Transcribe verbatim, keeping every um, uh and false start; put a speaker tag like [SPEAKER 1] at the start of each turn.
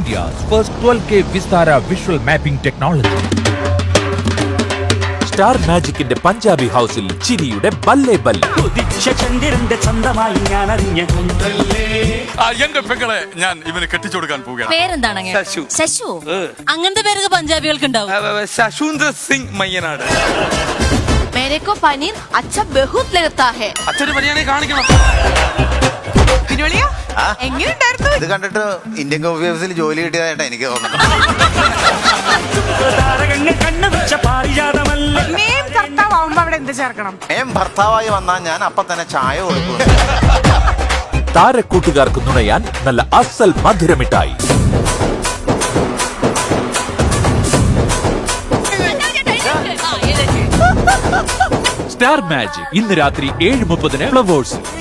[SPEAKER 1] India's first twelve K Vistara visual mapping technology.
[SPEAKER 2] Star മാജിക്കിന്റെ പഞ്ചാബി ഹൗസിൽ ചിരിയുടെ ബല്ലേ ബല്ലേ.
[SPEAKER 3] എന്റെ പെങ്ങളെ ഞാൻ ഇവന് കെട്ടിച്ചു കൊടുക്കാൻ പോവുകയാണ്.
[SPEAKER 4] പേരെന്താണ്?
[SPEAKER 3] ശശു.
[SPEAKER 4] ശശു. അങ്ങനത്തെ പേരൊക്കെ പഞ്ചാബികൾക്ക് ഉണ്ടാവും.
[SPEAKER 3] ശശൂന്ദ്ര സിംഗ് മയ്യനാട്.
[SPEAKER 5] मेरेको पनीर अच्छा बहुत लगता है.
[SPEAKER 3] അച്ഛന് പനിയാണെ കാണിക്കണം.
[SPEAKER 5] എങ്ങനെയുണ്ടായിരുന്നു?
[SPEAKER 6] ഇത് കണ്ടിട്ട് ഇന്ത്യൻ കോഫി ഹൗസിൽ ജോലി കിട്ടിയതായിട്ടാ എനിക്ക് തോന്നുന്നത്.
[SPEAKER 5] മേം കർത്താവുമ്പോ അവിടെ എന്ത് ചേർക്കണം?
[SPEAKER 6] ഏം ഭർത്താവായി വന്നാൽ ഞാൻ അപ്പൊ തന്നെ ചായ കൊടുക്കും.
[SPEAKER 2] താരക്കൂട്ടുകാർക്ക് നുണയാൻ നല്ല അസൽ മധുരമിട്ടായി. സ്റ്റാർ മാജിക് ഇന്ന് രാത്രി ഏഴ് മുപ്പതിന് ഫ്ലവേഴ്സ്.